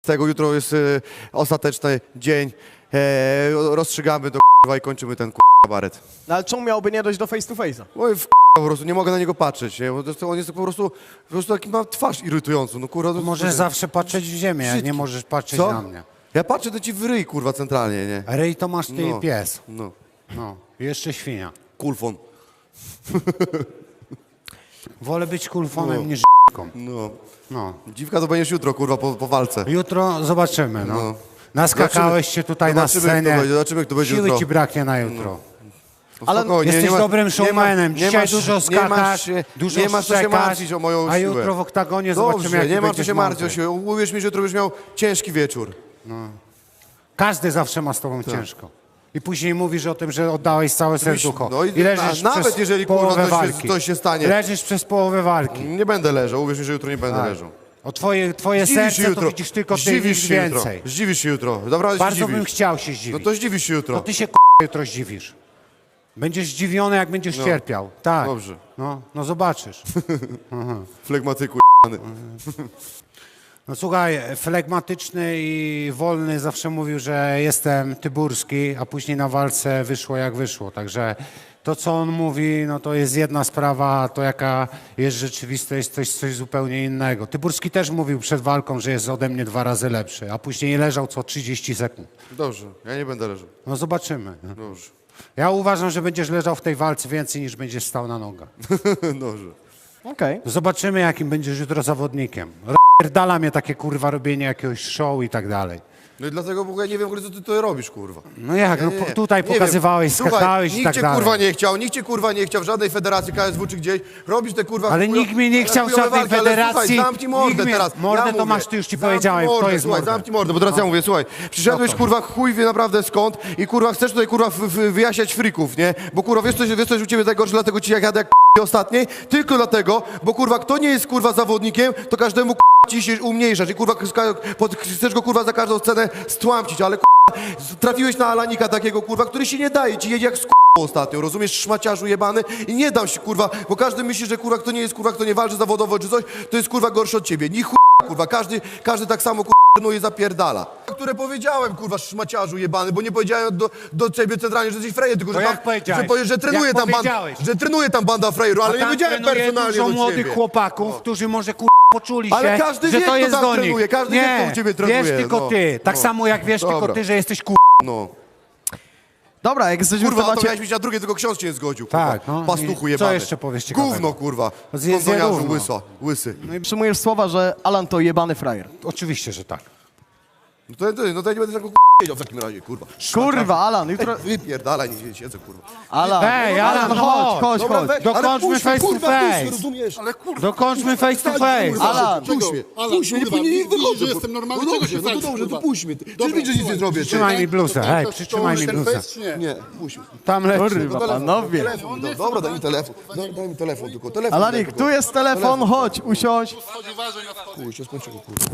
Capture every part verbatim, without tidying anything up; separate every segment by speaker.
Speaker 1: tego jutro jest y, ostateczny dzień. E, rozstrzygamy to kurwa i kończymy ten kurwa kabaret.
Speaker 2: No ale czemu miałoby nie dojść do face to face'a?
Speaker 1: Oj, w po prostu nie mogę na niego patrzeć, nie? Bo to, to on jest po prostu, po prostu taki ma twarz irytującą, no kurwa. To,
Speaker 3: Możesz
Speaker 1: to,
Speaker 3: zawsze patrzeć w ziemię, a nie
Speaker 1: Wszystkie.
Speaker 3: możesz patrzeć
Speaker 1: Co?
Speaker 3: na mnie.
Speaker 1: Ja patrzę do ci w ryj, kurwa, centralnie, nie?
Speaker 3: Rej to masz ty
Speaker 1: No.
Speaker 3: i pies.
Speaker 1: No,
Speaker 3: No, i jeszcze świnia.
Speaker 1: kulfon.
Speaker 3: Wolę być kulfonem
Speaker 1: No.
Speaker 3: niż ***ką.
Speaker 1: No.
Speaker 3: No.
Speaker 1: Dziwka to będziesz jutro, kurwa, po, po walce.
Speaker 3: Jutro zobaczymy, no.
Speaker 1: No.
Speaker 3: Naskakałeś się tutaj na
Speaker 1: zobaczymy, jak to
Speaker 3: scenie.
Speaker 1: będzie, zobaczymy, jak to będzie
Speaker 3: Siły
Speaker 1: jutro.
Speaker 3: ci braknie na jutro.
Speaker 2: Ale
Speaker 1: Spokojnie,
Speaker 3: Jesteś
Speaker 1: nie ma-
Speaker 3: dobrym
Speaker 1: nie ma-
Speaker 3: showmanem.
Speaker 1: nie
Speaker 3: Dzisiaj
Speaker 1: masz-
Speaker 3: dużo
Speaker 1: nie
Speaker 3: skakasz,
Speaker 1: masz się-
Speaker 3: dużo
Speaker 1: nie masz co się
Speaker 3: szczekasz,
Speaker 1: martwić o moją
Speaker 3: a
Speaker 1: siłę.
Speaker 3: jutro w oktagonie zobaczymy,
Speaker 1: Dobrze,
Speaker 3: jaki
Speaker 1: nie ma co
Speaker 3: będziesz
Speaker 1: się martwić o
Speaker 3: mądry.
Speaker 1: siłę. Uwierz mi, że jutro będziesz miał ciężki wieczór.
Speaker 3: Każdy zawsze ma z tobą ciężko. I później mówisz o tym, że oddałeś całe serducho.
Speaker 1: no i
Speaker 3: I leżysz
Speaker 1: na- nawet
Speaker 3: przez
Speaker 1: jeżeli, kurwa,
Speaker 3: połowę
Speaker 1: coś się-
Speaker 3: walki.
Speaker 1: coś się stanie.
Speaker 3: Leżysz przez połowę walki.
Speaker 1: Nie będę leżał, uwierz mi, że jutro nie będę
Speaker 3: Tak.
Speaker 1: leżał.
Speaker 3: O twoje, twoje
Speaker 1: Zdziwisz
Speaker 3: serce
Speaker 1: się
Speaker 3: to
Speaker 1: jutro.
Speaker 3: widzisz tylko ty i
Speaker 1: Zdziwisz
Speaker 3: nic
Speaker 1: się jutro.
Speaker 3: więcej.
Speaker 1: Zdziwisz się jutro. Dobra, się
Speaker 3: Bardzo
Speaker 1: zdziwisz.
Speaker 3: bym chciał się
Speaker 1: No
Speaker 3: zdziwić.
Speaker 1: to zdziwisz się jutro.
Speaker 3: To ty się k***a jutro zdziwisz. Będziesz zdziwiony, jak będziesz
Speaker 1: No.
Speaker 3: cierpiał. Tak.
Speaker 1: Dobrze.
Speaker 3: No, no zobaczysz.
Speaker 1: Flegmatyku jebany.
Speaker 3: No słuchaj, flegmatyczny i wolny zawsze mówił, że jestem tyburski, a później na walce wyszło jak wyszło. Także to, co on mówi, no to jest jedna sprawa, a to jaka jest rzeczywistość, jest coś, coś zupełnie innego. Tyburski też mówił przed walką, że jest ode mnie dwa razy lepszy, a później leżał co trzydzieści sekund.
Speaker 1: Dobrze, ja nie będę leżał.
Speaker 3: No zobaczymy.
Speaker 1: Dobrze.
Speaker 3: Ja uważam, że będziesz leżał w tej walce więcej niż będziesz stał na nogach.
Speaker 1: Dobrze.
Speaker 2: okej.
Speaker 3: Zobaczymy, jakim będziesz jutro zawodnikiem. Dala mnie takie kurwa robienie jakiegoś show i tak dalej.
Speaker 1: No i dlatego w ogóle nie wiem, w ogóle, co ty to robisz, kurwa.
Speaker 3: No jak, no
Speaker 1: Nie, nie,
Speaker 3: po- tutaj
Speaker 1: nie
Speaker 3: pokazywałeś,
Speaker 1: wiem. Słuchaj,
Speaker 3: skakałeś i
Speaker 1: nikt
Speaker 3: tak
Speaker 1: cię
Speaker 3: dalej.
Speaker 1: kurwa nie chciał, nikt cię kurwa nie chciał w żadnej federacji K S W czy gdzieś. Robisz te kurwa...
Speaker 3: Ale
Speaker 1: chujo-
Speaker 3: nikt mnie nie
Speaker 1: ale
Speaker 3: chciał w
Speaker 1: chujowe
Speaker 3: żadnej
Speaker 1: walki, ale
Speaker 3: federacji.
Speaker 1: Słuchaj, zamknij mordę
Speaker 3: Nikt mnie-
Speaker 1: teraz.
Speaker 3: mordę
Speaker 1: ja
Speaker 3: to
Speaker 1: mówię.
Speaker 3: masz, ty już ci
Speaker 1: Zamknij
Speaker 3: powiedziałem, kto
Speaker 1: mordę,
Speaker 3: jest
Speaker 1: słuchaj,
Speaker 3: mordę.
Speaker 1: zamknij mordę, bo teraz ja mówię, słuchaj, przyszedłeś kurwa chuj wie naprawdę skąd i kurwa chcesz tutaj kurwa w- w- wyjaśniać frików, nie? Bo kurwa wiesz coś, wiesz coś u ciebie najgorsze, dlatego ci jak jadę jak p- ostatniej, tylko dlatego, bo kurwa kto nie jest kurwa zawodnikiem, to każdemu kurwa ci się umniejszasz i kurwa ska- pod- chcesz go kurwa za każdą cenę stłamcić, ale kurwa trafiłeś na Alanika takiego kurwa, który się nie daje, ci jedzie jak z k***ą ostatnio, rozumiesz, szmaciarzu jebany i nie dam się kurwa, bo każdy myśli, że kurwa kto nie jest kurwa, kto nie walczy zawodowo czy coś, to jest kurwa gorszy od ciebie, ni chuj kurwa, każdy, każdy tak samo kurwa trenuje, zapierdala. Które powiedziałem kurwa szmaciarzu jebany, bo nie powiedziałem do, do ciebie centralnie, że jesteś frejer, tylko że
Speaker 3: To
Speaker 1: tam,
Speaker 3: jak powiedziałeś?
Speaker 1: że, powie- że trenuje
Speaker 3: Jak
Speaker 1: tam banda,
Speaker 3: powiedziałeś?
Speaker 1: że trenuje tam banda frejerów, ale
Speaker 3: A
Speaker 1: nie
Speaker 3: tam
Speaker 1: powiedziałem
Speaker 3: trenuje
Speaker 1: personalnie
Speaker 3: dużo
Speaker 1: do
Speaker 3: młodych
Speaker 1: ciebie.
Speaker 3: chłopaków, którzy może kur... poczuli
Speaker 1: Ale
Speaker 3: się,
Speaker 1: każdy
Speaker 3: że
Speaker 1: wie,
Speaker 3: to
Speaker 1: kto
Speaker 3: jest
Speaker 1: tam
Speaker 3: do nich.
Speaker 1: trenuje, każdy wie,
Speaker 3: nie,
Speaker 1: kto u ciebie trenuje,
Speaker 3: wiesz tylko
Speaker 1: no.
Speaker 3: ty. Tak
Speaker 1: No.
Speaker 3: samo jak wiesz tylko
Speaker 1: Dobra.
Speaker 3: ty, że jesteś kur...
Speaker 1: No.
Speaker 2: Dobra, jak jesteśmy w
Speaker 1: Kurwa, to
Speaker 2: temacie...
Speaker 1: miałeś mieć na drugie, tylko ksiądz cię nie zgodził, kurwa.
Speaker 3: Tak, no.
Speaker 1: Pastuchu
Speaker 3: I
Speaker 1: jebany.
Speaker 3: co jeszcze powiesz ciekawego?
Speaker 1: Gówno, kurwa.
Speaker 3: Zjedz je
Speaker 1: Kondoniarzu,
Speaker 3: gówno.
Speaker 1: łyso, łysy.
Speaker 2: Przyjmujesz słowa, że Alan to jebany frajer.
Speaker 3: Oczywiście, że tak.
Speaker 1: No to, to, no to ja nie będę tego wiedział w takim razie, kurwa.
Speaker 2: Kurwa, Alan, jutro...
Speaker 1: Wypierdalaj, nie siedzę, kurwa.
Speaker 2: Alan,
Speaker 3: Ej, Alan,
Speaker 2: chodź,
Speaker 3: chodź.
Speaker 2: chodź,
Speaker 1: Dobra,
Speaker 2: chodź.
Speaker 1: weź,
Speaker 3: Dokończmy
Speaker 1: ale puść mnie,
Speaker 3: face to
Speaker 1: kurwa, puść mnie,
Speaker 3: face.
Speaker 1: rozumiesz? Ale kurwa,
Speaker 3: Dokończmy face to face.
Speaker 1: kurwa,
Speaker 2: Alan,
Speaker 1: puść mnie,
Speaker 4: Alan,
Speaker 1: puść mnie, nie,
Speaker 4: kurwa,
Speaker 1: nie, nie
Speaker 4: widzisz,
Speaker 1: wychodzę.
Speaker 4: że jestem normalny,
Speaker 1: no
Speaker 4: czego
Speaker 1: dobrze,
Speaker 4: się
Speaker 1: no to
Speaker 4: fajesz,
Speaker 1: dobrze, to
Speaker 4: kurwa?
Speaker 1: puść mnie. Ty
Speaker 4: Dobra,
Speaker 1: widzisz, że nic nie
Speaker 4: słuchaj,
Speaker 1: zrobię. ty.
Speaker 3: Trzymaj mi bluzę, hej,
Speaker 4: To
Speaker 3: przytrzymaj mi
Speaker 4: ten
Speaker 3: bluzę.
Speaker 4: fest, czy nie?
Speaker 1: Nie, puść mnie.
Speaker 3: Tam leci.
Speaker 2: Kurwa, panowie.
Speaker 1: Telefon, do, dobra, daj mi telefon. Daj, daj mi telefon, tylko telefon. daj
Speaker 2: Alanik,
Speaker 1: tylko.
Speaker 2: tu jest telefon, chodź, usiądź.
Speaker 4: Chodzi ważeń na wchodzie.
Speaker 1: Chuj, się skończyło, kurwa.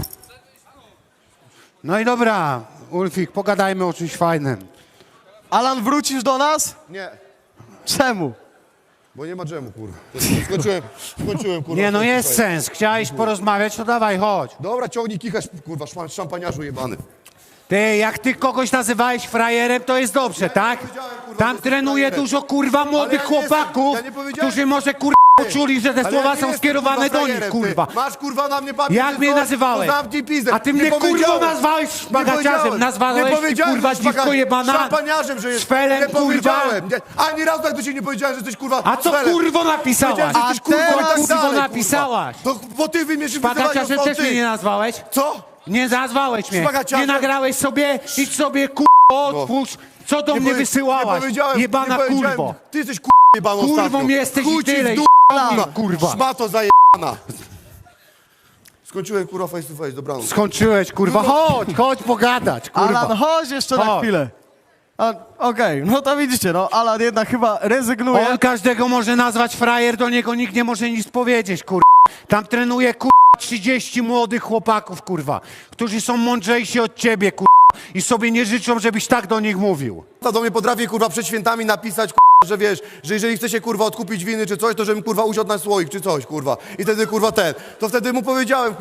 Speaker 3: No i dobra, Ulfik, pogadajmy o czymś fajnym.
Speaker 2: Alan, wrócisz do nas?
Speaker 1: Nie,
Speaker 2: Czemu?
Speaker 1: bo nie ma dżemu, kurwa. Skończyłem, skończyłem, kurwa.
Speaker 3: Nie, no jest
Speaker 1: Słuchaj.
Speaker 3: sens. Chciałeś porozmawiać, to dawaj, chodź.
Speaker 1: Dobra, ciągnij kichasz, kurwa, szpan- szampaniarzu jebany.
Speaker 3: Ty, jak ty kogoś nazywałeś frajerem, to jest dobrze, tak?
Speaker 1: powiedziałem, kurwa,
Speaker 3: Tam
Speaker 1: że jestem
Speaker 3: trenuje
Speaker 1: frajerem.
Speaker 3: dużo, kurwa, młodych
Speaker 1: Ale ja nie jestem-
Speaker 3: chłopaków,
Speaker 1: ja nie powiedziałem-
Speaker 3: którzy może, kurwa, poczuli, że te
Speaker 1: Ale
Speaker 3: słowa
Speaker 1: ja nie
Speaker 3: są
Speaker 1: jestem,
Speaker 3: skierowane
Speaker 1: kurwa,
Speaker 3: do nich,
Speaker 1: frajerem,
Speaker 3: kurwa.
Speaker 1: ty. Masz kurwa na mnie papier,
Speaker 3: Jak
Speaker 1: czy
Speaker 3: mnie
Speaker 1: coś,
Speaker 3: nazywałeś?
Speaker 1: to zamknij pizdę.
Speaker 3: A ty
Speaker 1: Nie
Speaker 3: mnie, kurwa,
Speaker 1: powiedziałem.
Speaker 3: nazwałeś
Speaker 1: Nie
Speaker 3: szpagaciarzem,
Speaker 1: powiedziałem.
Speaker 3: nazwałeś
Speaker 1: Nie
Speaker 3: ty,
Speaker 1: powiedziałem,
Speaker 3: kurwa,
Speaker 1: że
Speaker 3: dziwko
Speaker 1: szpaga-
Speaker 3: jebana.
Speaker 1: Szampaniarzem, że jest.
Speaker 3: Szwelem,
Speaker 1: nie
Speaker 3: kurwa.
Speaker 1: powiedziałem. Nie, ani razu tak do ciebie nie powiedziałem, że jesteś kurwa
Speaker 3: A co,
Speaker 1: szwelem.
Speaker 3: kurwo, napisałaś?
Speaker 1: Powiedziałem, że jesteś
Speaker 2: A
Speaker 1: kurwa i
Speaker 2: teraz,
Speaker 1: tak
Speaker 3: kurwo,
Speaker 1: dalej,
Speaker 3: napisałaś?
Speaker 1: Kurwa. To, bo ty wymierzysz
Speaker 3: Szpagaciarzem też mnie nie nazwałeś?
Speaker 1: Co?
Speaker 3: Nie nazwałeś mnie.
Speaker 1: Szpagaciarzem?
Speaker 3: Nie nagrałeś sobie, idź sobie, kurwa, otwórz. Co do
Speaker 1: Nie
Speaker 3: mnie
Speaker 1: powie-
Speaker 3: wysyłałaś?
Speaker 1: Nie powiedziałem,
Speaker 3: Jebana
Speaker 1: nie powiedziałem.
Speaker 3: kurwo.
Speaker 1: Ty jesteś kurwa jebaną
Speaker 3: Kurwą
Speaker 1: ostatnio.
Speaker 3: jesteś
Speaker 1: Chuj
Speaker 3: i
Speaker 1: ci w
Speaker 3: tyle,
Speaker 1: dół,
Speaker 3: kurwa. kurwa.
Speaker 1: Szmato zajebana. Skończyłem kurwa face to face, dobranoc.
Speaker 3: Skończyłeś, kurwa. Chodź, chodź pogadać, kurwa.
Speaker 2: Alan, chodź jeszcze na
Speaker 3: Chodź.
Speaker 2: chwilę. A, Okej, no to widzicie, no Alan jednak chyba rezygnuje.
Speaker 3: On każdego może nazwać frajer, do niego nikt nie może nic powiedzieć, kurwa. Tam trenuje, kurwa, trzydzieści młodych chłopaków, kurwa, którzy są mądrzejsi od ciebie, kurwa, i sobie nie życzą, żebyś tak do nich mówił.
Speaker 1: Do mnie potrafi kurwa przed świętami napisać kurwa, że wiesz, że jeżeli chce się kurwa odkupić winy czy coś, to żebym kurwa usiadł na słoik czy coś kurwa. I wtedy kurwa ten. To wtedy mu powiedziałem kurwa,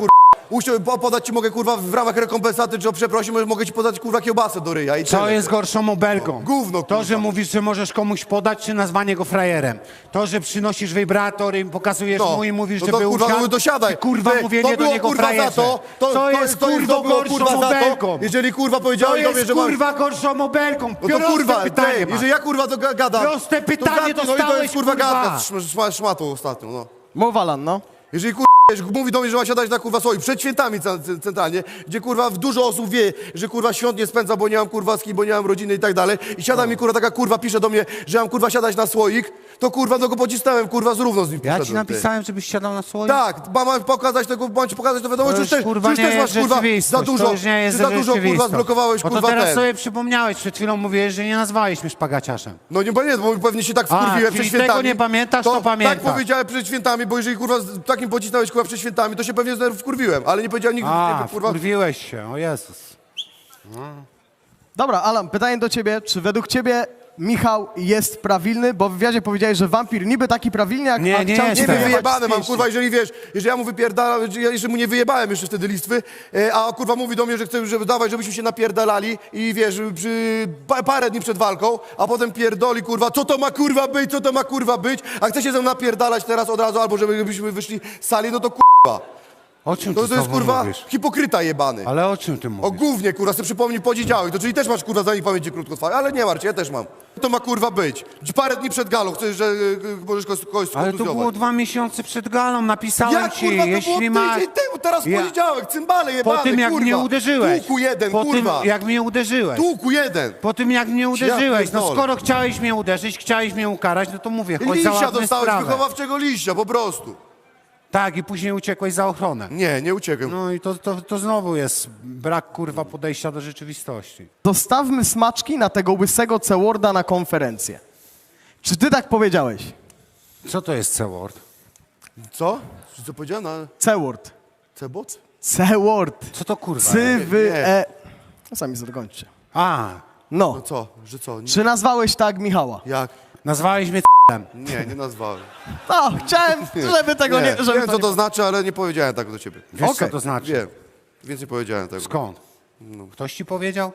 Speaker 1: Usiąść, po- podać ci mogę, kurwa, w ramach rekompensaty, czy o przeprosin, mogę ci podać, kurwa, kiełbasę do ryja i
Speaker 3: Co
Speaker 1: tyle.
Speaker 3: jest gorszą obelgą?
Speaker 1: Gówno,
Speaker 3: To,
Speaker 1: kurwa.
Speaker 3: że mówisz, że możesz komuś podać, czy nazwanie go frajerem. To, że przynosisz wibrator i pokazujesz
Speaker 1: No.
Speaker 3: mu i mówisz,
Speaker 1: No
Speaker 3: że
Speaker 1: to,
Speaker 3: był
Speaker 1: kurwa,
Speaker 3: usiadł,
Speaker 1: no dosiadaj.
Speaker 3: i kurwa
Speaker 1: Ty,
Speaker 3: mówienie
Speaker 1: to było,
Speaker 3: do niego
Speaker 1: kurwa,
Speaker 3: frajerze.
Speaker 1: za to, to,
Speaker 3: to jest
Speaker 1: to,
Speaker 3: kurwa
Speaker 1: to było,
Speaker 3: gorszą
Speaker 1: kurwa, za
Speaker 3: obelgą.
Speaker 1: to, jeżeli, kurwa,
Speaker 3: To
Speaker 1: powiedziałeś do mnie,
Speaker 3: jest
Speaker 1: że mam...
Speaker 3: kurwa gorszą obelgą.
Speaker 1: No to
Speaker 3: Proste
Speaker 1: kurwa,
Speaker 3: pytanie
Speaker 1: ty,
Speaker 3: masz.
Speaker 1: jeżeli ja kurwa to ga- gadam...
Speaker 3: Proste
Speaker 1: to
Speaker 3: pytanie
Speaker 1: zamknij, no i to
Speaker 3: dostałeś,
Speaker 1: jest kurwa
Speaker 3: kurwa.
Speaker 1: gadka z szm- szm- szmatą ostatnio, no.
Speaker 2: Mów, Alan, no.
Speaker 1: Jeżeli kurwa wiesz, mówi do mnie, że ma siadać na kurwa swoim, przed świętami ce- ce- centralnie, gdzie kurwa dużo osób wie, że kurwa świąt nie spędza, bo nie mam kurwa z kim, bo nie mam rodziny i tak dalej. I siada mi kurwa taka kurwa, pisze do mnie, że mam kurwa siadać na słoik, to kurwa no go pocisnąłem kurwa z równo z nim
Speaker 3: Ja ci
Speaker 1: poszedłem, ty.
Speaker 3: napisałem, żebyś siadał na swoim?
Speaker 1: Tak, ma- mam pokazać tego, mam ci pokazać to wiadomo,
Speaker 3: To
Speaker 1: czy
Speaker 3: już,
Speaker 1: też,
Speaker 3: kurwa,
Speaker 1: czy już
Speaker 3: nie
Speaker 1: też masz
Speaker 3: jest
Speaker 1: kurwa za
Speaker 3: rzeczywistość,
Speaker 1: dużo,
Speaker 3: to już nie jest
Speaker 1: czy za dużo kurwa
Speaker 3: rzeczywistość.
Speaker 1: zblokowałeś
Speaker 3: Bo to
Speaker 1: kurwa
Speaker 3: teraz
Speaker 1: ten.
Speaker 3: sobie przypomniałeś, przed chwilą mówiłeś, że nie nazwałeś mnie szpagaciarzem.
Speaker 1: No nie pamiętam, bo pewnie się tak
Speaker 3: A,
Speaker 1: wkurwiłem
Speaker 3: czyli
Speaker 1: przed świętami.
Speaker 3: tego nie pamiętasz, to pamiętasz.
Speaker 1: Tak powiedziałem przed świętami, bo jeżeli kurwa z takim pocisnąłeś kurwa przed świętami, to się pewnie znowu wkurwiłem, ale nie powiedziałem nigdy
Speaker 3: A,
Speaker 1: takiego, kurwa.
Speaker 3: wkurwiłeś się, o Jezus.
Speaker 2: Dobra, Alan, pytanie do ciebie. Czy według ciebie Michał jest prawilny? Bo w wywiadzie powiedziałeś, że wampir niby taki prawilny, jak
Speaker 3: Nie,
Speaker 2: a
Speaker 3: nie
Speaker 2: chciał
Speaker 3: jest
Speaker 2: cię
Speaker 1: Nie
Speaker 3: tak.
Speaker 1: wiem,
Speaker 2: wyjebać
Speaker 1: wyjebane
Speaker 2: z
Speaker 1: mam,
Speaker 2: pięści.
Speaker 1: kurwa, jeżeli wiesz, jeżeli ja mu wypierdalam, ja jeszcze mu nie wyjebałem jeszcze wtedy listwy, e, a kurwa mówi do mnie, że chce, żeby dawać, żebyśmy się napierdalali i wiesz, przy pa, parę dni przed walką, a potem pierdoli, kurwa, co to ma kurwa być, co to ma kurwa być, a chce się ze mną napierdalać teraz od razu, albo żebyśmy wyszli z sali, no to kurwa.
Speaker 3: O czym
Speaker 1: No
Speaker 3: ty
Speaker 1: to jest
Speaker 3: znowu
Speaker 1: kurwa
Speaker 3: mówisz?
Speaker 1: hipokryta jebany.
Speaker 3: Ale o czym ty
Speaker 1: O
Speaker 3: mówisz?
Speaker 1: głównie, kurwa, sobie przypomnij podzidziałek, to czyli też masz, kurwa, za nich pamięci krótkotrwałe, ale nie martw się, ja też mam. To ma, kurwa, być. Parę dni przed galą chcesz, że y, możesz kogoś kogoś
Speaker 3: Ale to
Speaker 1: skontuzjować.
Speaker 3: było dwa miesiące przed galą, napisałem
Speaker 1: Jak,
Speaker 3: ci,
Speaker 1: kurwa, to
Speaker 3: jeśli
Speaker 1: było
Speaker 3: ma...
Speaker 1: tydzień temu, teraz
Speaker 3: Ja-
Speaker 1: poniedziałek, cymbale jebane,
Speaker 3: Po tym, jak
Speaker 1: kurwa.
Speaker 3: mnie uderzyłeś.
Speaker 1: Tłuku jeden,
Speaker 3: po
Speaker 1: kurwa.
Speaker 3: tym, jak mnie uderzyłeś.
Speaker 1: Tłuku jeden.
Speaker 3: Po tym, jak mnie uderzyłeś. No
Speaker 1: pierdolę.
Speaker 3: skoro chciałeś mnie uderzyć, chciałeś mnie ukarać, no to mówię, chodź
Speaker 1: Liścia
Speaker 3: załatwmy
Speaker 1: dostałeś,
Speaker 3: sprawę.
Speaker 1: wychowawczego liścia, po prostu.
Speaker 3: Tak, i później uciekłeś za ochronę.
Speaker 1: Nie, nie uciekłem.
Speaker 3: No i to, to, to znowu jest brak, kurwa, podejścia do rzeczywistości.
Speaker 2: Dostawmy smaczki na tego łysego C-Worda na konferencję. Czy ty tak powiedziałeś?
Speaker 3: Co to jest C-word?
Speaker 1: Co? Co powiedziałem na
Speaker 2: C-Word.
Speaker 1: cebot?
Speaker 2: C-Word.
Speaker 3: Co to kurwa?
Speaker 2: Cy, wy,
Speaker 1: nie.
Speaker 2: e... No sami zakończcie.
Speaker 3: A,
Speaker 1: No
Speaker 2: No.
Speaker 1: co? Że co? Nie,
Speaker 2: Czy nazwałeś tak Michała?
Speaker 1: jak?
Speaker 3: nazwałeś mnie c***em.
Speaker 1: Nie, nie nazwałem.
Speaker 2: No, chciałem, żeby tego nie...
Speaker 1: nie
Speaker 2: żeby
Speaker 1: wiem,
Speaker 2: to
Speaker 1: co
Speaker 2: nie...
Speaker 1: to znaczy, ale nie powiedziałem tak do ciebie.
Speaker 3: Wiesz,
Speaker 2: Okej.
Speaker 3: co to znaczy?
Speaker 1: Wiem. Więc nie powiedziałem tego.
Speaker 3: Skąd? Ktoś ci powiedział?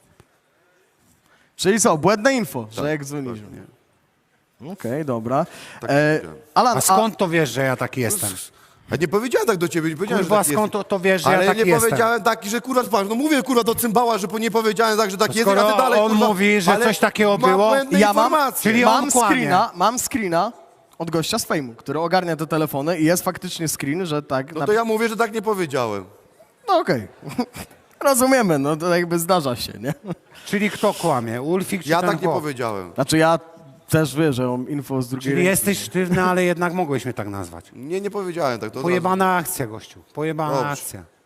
Speaker 2: Czyli co, błędne info,
Speaker 1: Tak,
Speaker 2: że jak dzwonisz.
Speaker 1: nie.
Speaker 2: Okej, dobra.
Speaker 1: Tak
Speaker 2: E,
Speaker 1: powiedziałem.
Speaker 2: Alan,
Speaker 3: A skąd to wiesz, że ja taki jestem?
Speaker 1: A nie powiedziałem tak do ciebie, nie powiedziałem,
Speaker 3: Kurwa,
Speaker 1: że taki
Speaker 3: skąd
Speaker 1: jest.
Speaker 3: to, to wiesz, że
Speaker 1: Ale
Speaker 3: ja taki
Speaker 1: nie
Speaker 3: jestem?
Speaker 1: powiedziałem taki, że kurwa, patrz, no mówię kurwa do cymbała, że po- nie powiedziałem tak, że tak jest,
Speaker 3: skoro
Speaker 1: a ty dalej
Speaker 3: on
Speaker 1: kurwa,
Speaker 3: mówi, że
Speaker 1: ale
Speaker 3: coś takiego
Speaker 1: ma
Speaker 3: było,
Speaker 1: błędne
Speaker 2: ja mam,
Speaker 1: informacje.
Speaker 3: czyli
Speaker 2: mam
Speaker 3: on kłamie.
Speaker 2: screena, mam screena od gościa z fejmu, który ogarnia te telefony i jest faktycznie screen, że tak...
Speaker 1: No
Speaker 2: na-
Speaker 1: to ja mówię, że tak nie powiedziałem.
Speaker 2: No okej. Rozumiemy, no to jakby zdarza się, nie?
Speaker 3: Czyli kto kłamie? Ulfik czy
Speaker 1: Ja
Speaker 3: ten
Speaker 1: tak nie
Speaker 3: chłop?
Speaker 1: powiedziałem.
Speaker 2: Znaczy ja też wiem, że mam info z drugiej
Speaker 3: Czyli
Speaker 2: ręki.
Speaker 3: jesteś sztywny, ale jednak mogłeś mnie tak nazwać.
Speaker 1: Nie, nie powiedziałem tak. To od razu-
Speaker 3: Pojebana akcja, gościu. Pojebana
Speaker 1: Dobrze.
Speaker 3: akcja.